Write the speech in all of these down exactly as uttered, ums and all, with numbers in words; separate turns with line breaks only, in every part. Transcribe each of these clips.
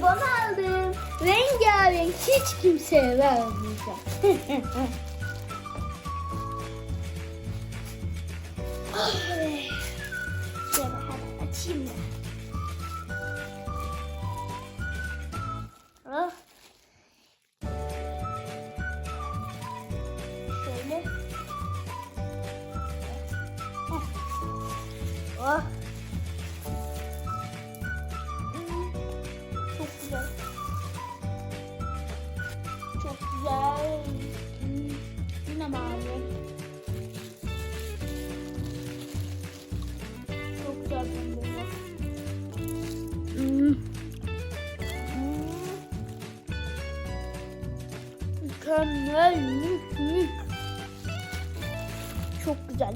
bonibon aldım. Rengarenk, hiç kimseye vermeyeceğim. Ay. Şöyle hemen açayım ben. Ah. Şöyle. Ah. Hmm, çok güzel. Çok güzel. Hmm, yine mavi. Çok güzel pembe. Hmm. Hmm. Mükemmel, mük mük. Çok güzel.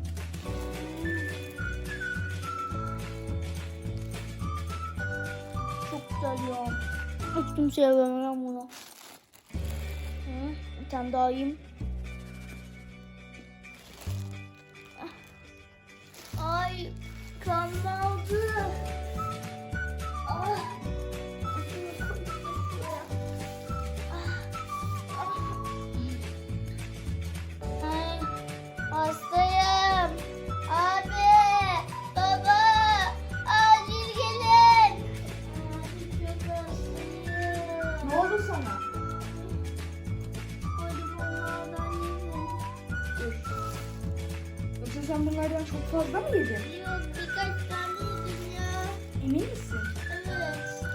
Çok güzel ya. Hiç kimseye vermem bunu. Hı, bir tane daha yiyeyim. Ay, kanlandı. Ah. Ay, hastayım. Abi, baba, acil gelin. Abi, çok hastayım.
Ne oldu sana?
Bonibonlardan yedim.
Dur. Yoksa sen bunlardan çok fazla mı yedin?
Yok, birkaç tane yedim ya.
Emin misin?
Evet.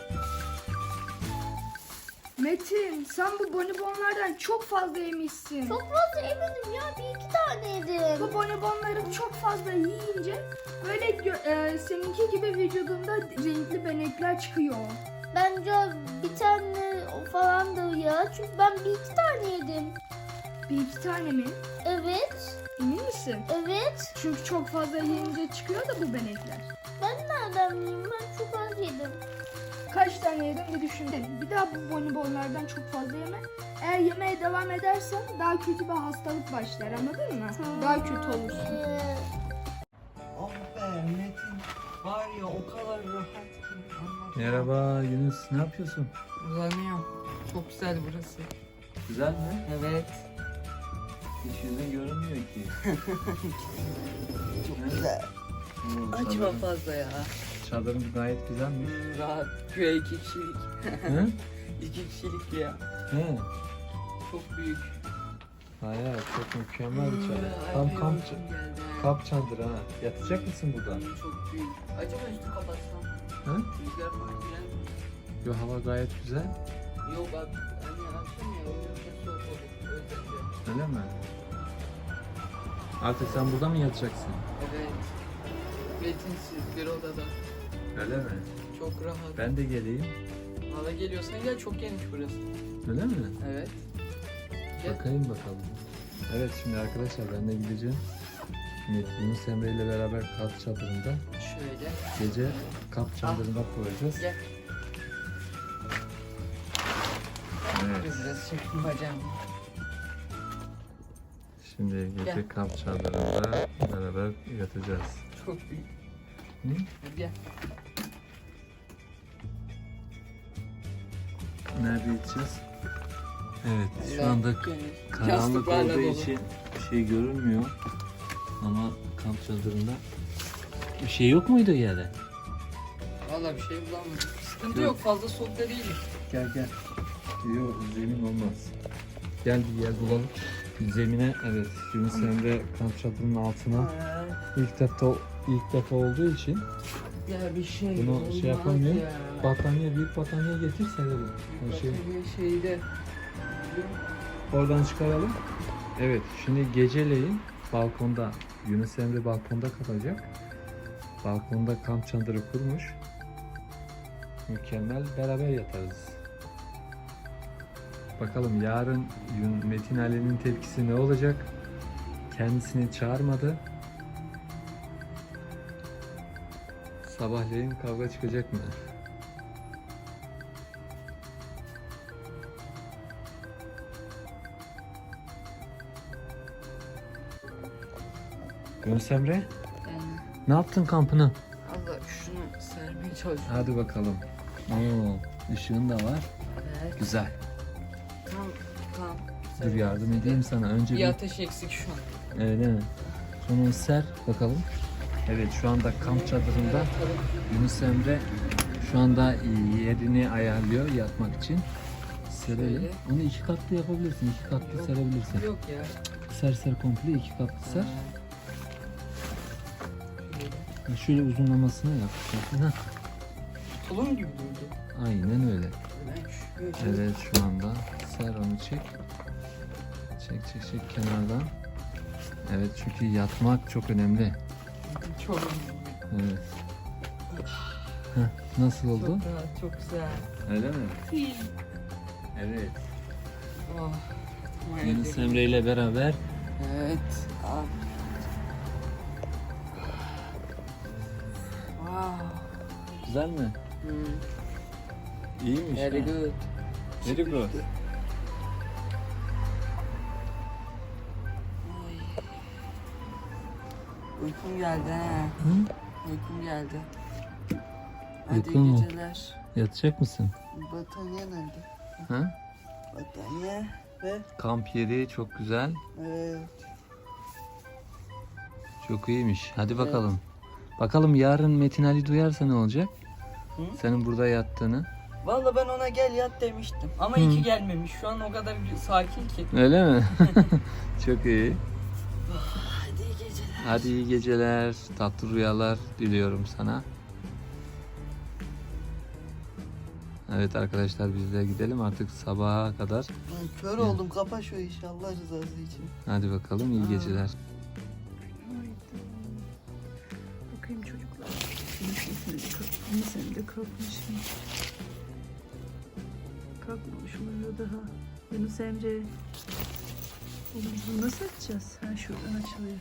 Metin, sen bu bonibonlardan çok fazla yemişsin.
Çok fazla yemedim ya. Bir iki tane yedim.
Bu bonibonları çok fazla yiyince böyle gö- e, seninki gibi vücudunda renkli benekler çıkıyor.
Bence bir tane falan da ya. Çünkü ben bir iki tane yedim.
Bir iki tane mi?
Evet.
Emin misin?
Evet.
Çünkü çok fazla yiyince çıkıyor da bu benekler.
Ben nereden bileyim? Ben çok az yedim.
Kaç tane yedin bir düşün. Bir daha bu bonibonlardan çok fazla yeme. Eğer yemeye devam edersen daha kötü bir hastalık başlar, anladın mı? Daha kötü olursun.
Ee,
Oh be Metin, var ya o kadar rahat ki anlatamam.
Merhaba Yunus, ne yapıyorsun?
Uzanıyorum. Çok güzel burası.
Güzel mi?
Evet.
Hiç yüzün görünmüyor ki.
Çok güzel.
Oo,
Açma
çadırın-
fazla ya.
Çadırın gayet güzelmiş.
Hmm, rahat. Güya iki kişilik.
Hı?
iki kişilik ya.
He.
Çok büyük.
Hayır, çok mükemmel bir çadır.
Hmm,
Tam
ay,
kamp,
uykum geldi.
kamp çadırı ha. Yatacak mısın burada?
Hmm, Çok büyük. Acaba üstü kapatsam?
Hı?
Rüzgar falan girer mi?
Yo, hava gayet güzel.
Yok abi. Hani akşam ya uyurken soğuk olur. O yüzden de.
Öyle mi? Artık sen burada mı yatacaksın?
Evet. Metinsiz bir odada.
Öyle mi?
Çok rahat.
Ben de geleyim.
Valla geliyorsan gel, çok geniş burası.
Öyle mi?
Evet. Gel.
Bakayım bakalım. Evet, şimdi arkadaşlar ben de gideceğim. Şimdi Yunus Emre ile beraber kamp çadırında
Şöyle.
gece kamp çadırında kuracağız.
Gel.
Evet.
Biraz çektim bacağımı.
Şimdi gece
Gel.
kamp çadırında beraber yatacağız.
Çok büyük.
Hı?
Hadi gel.
Nerede yatacağız? Evet, şu anda
Geniş.
karanlık
Yastıklarla
olduğu
dolu.
için bir şey görünmüyor. Ama kamp çadırında bir şey yok muydu yerde?
Valla bir şey bulamadım. Sıkıntı
Yok.
yok, fazla soğuk da değil.
Gel gel. Yok, zemin olmaz. Gel bir yer bulalım. Zemine, evet, Yunus Emre kamp çadırının altına ilk defa ilk defa olduğu için
Ya bir şey
bunu
olmaz
şey yapamıyor.
ya.
Battaniye, büyük battaniye getir serelim. O şey,
Battaniye şeyde.
oradan çıkaralım. Evet, şimdi geceleyin balkonda, Yunus Emre balkonda kalacak. Balkonda kamp çadırı kurmuş. Mükemmel, beraber yatarız. Bakalım yarın Yun- Metin Ali'nin tepkisi ne olacak? Kendisini çağırmadı. Sabahleyin kavga çıkacak mı? Yunus Emre,
Yani
ne yaptın kampını?
Allah şunu sermeye çalışıyorum.
Hadi bakalım. Oo, ışığın da var.
Evet.
Güzel.
Tam tam.
Dur yardım edeyim sana. Önce
Bir
bir
ateş eksik şu an.
öyle mi? Sonra ser bakalım. Evet şu anda kamp çadırında Yunus Emre şu anda yerini ayarlıyor yatmak için. Serelim.
Şöyle.
Onu iki katlı yapabilirsin. iki katlı
Yok.
serebilirsin.
Yok ya.
Ser ser komple iki katlı ser.
Ha. Şöyle.
Şöyle uzunlamasına yap. Heh,
Tulum gibi durdu.
aynen öyle.
Ben şöyle.
Evet şu anda ser onu çek. Çek çek çek kenardan. Evet çünkü yatmak çok önemli.
Çok
Evet. Heh, nasıl oldu?
Çok rahat, çok güzel.
Öyle mi? Evet.
Oh.
Yunus Emre ile beraber
Evet. Abi. Wow.
güzel mi?
Hmm.
İyiymiş.
Very
ha?
good.
Very good.
Ay. Uykum geldi ha.
Hı?
Uykum geldi. Hadi
Uykun
iyi
mu?
geceler.
Yatacak mısın?
Battaniye nerede?
Ha?
Battaniye ve
Kamp yeri çok güzel.
evet.
Çok iyiymiş. Hadi bakalım. Bakalım yarın Metin Ali duyarsa ne olacak?
Hı?
Senin burada yattığını.
Valla ben ona gel yat demiştim. Ama
Hı.
iyi ki gelmemiş. Şu an o kadar sakin ki.
Öyle mi? Çok iyi.
Hadi iyi geceler.
Hadi iyi geceler. Tatlı rüyalar diliyorum sana. Evet arkadaşlar biz de gidelim artık sabaha kadar.
Ben kör oldum. Kapa şu işi Allah rızası için.
Hadi bakalım iyi
Aa.
geceler.
Bakayım çocuklar. Şunu de kalkmış, sen de kalkmış mı? Kalkmamış mı uyuyor daha? Yunus Emre. Oğlum bunu nasıl açacağız? Ha şuradan açılıyor.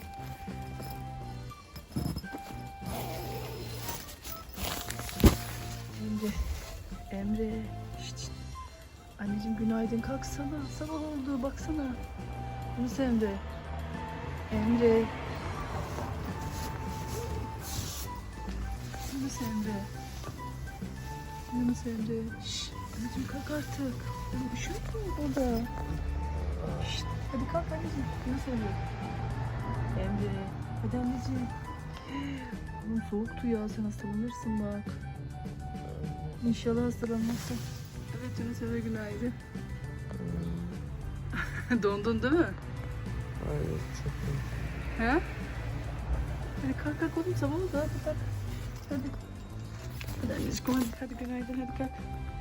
Emre. Emre. Şşt, şşt. Anneciğim günaydın kalksana. Sabah oldu baksana. Yunus Emre. Emre. Yunus Emre. Yunus Emre. Şşt. Anneciğim kalk artık. Oğlum üşüyor mu burada? Şşt. Hadi kalk anneciğim. Yunus Emre. Emre. Hadi anneciğim. Oğlum soğuktu ya sen hastalanırsın bak. İnşallah hastalanmazsın. Evet Yunus Emre günaydın. Dondun değil mi?
Evet çok iyi.
He? Hadi kalk kalk oğlum sabah oldu hadi kalk. Hadi. Hadi anneciğim hadi, hadi günaydın hadi kalk.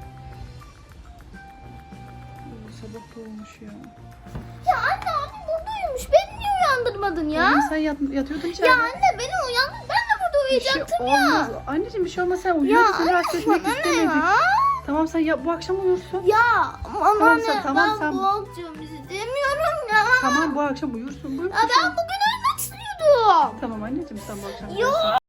Oo, sabah da olmuş ya.
Ya anne abim burada uyumuş. Beni niye uyandırmadın ya?
Oğlum sen yat, yatıyordun içeride.
Ya anne beni uyandır. Ben de burada
Bir şey
uyuyacaktım
olmaz.
ya.
Anneciğim bir şey olmaz sen
Ya
uyuyorsun. Seni
anne
rahatsız etmek
bana ne
istemedik.
ya?
Tamam sen ya, bu akşam uyursun.
Ya ama
Tamam,
anne
sen- tamam,
ben
sen-
bu akşam istemiyorum ya.
Tamam bu akşam uyursun. Buyur.
Ya ben bugün uyumak istiyordum.
Tamam anneciğim sen bu akşam
Yok.
uyursun.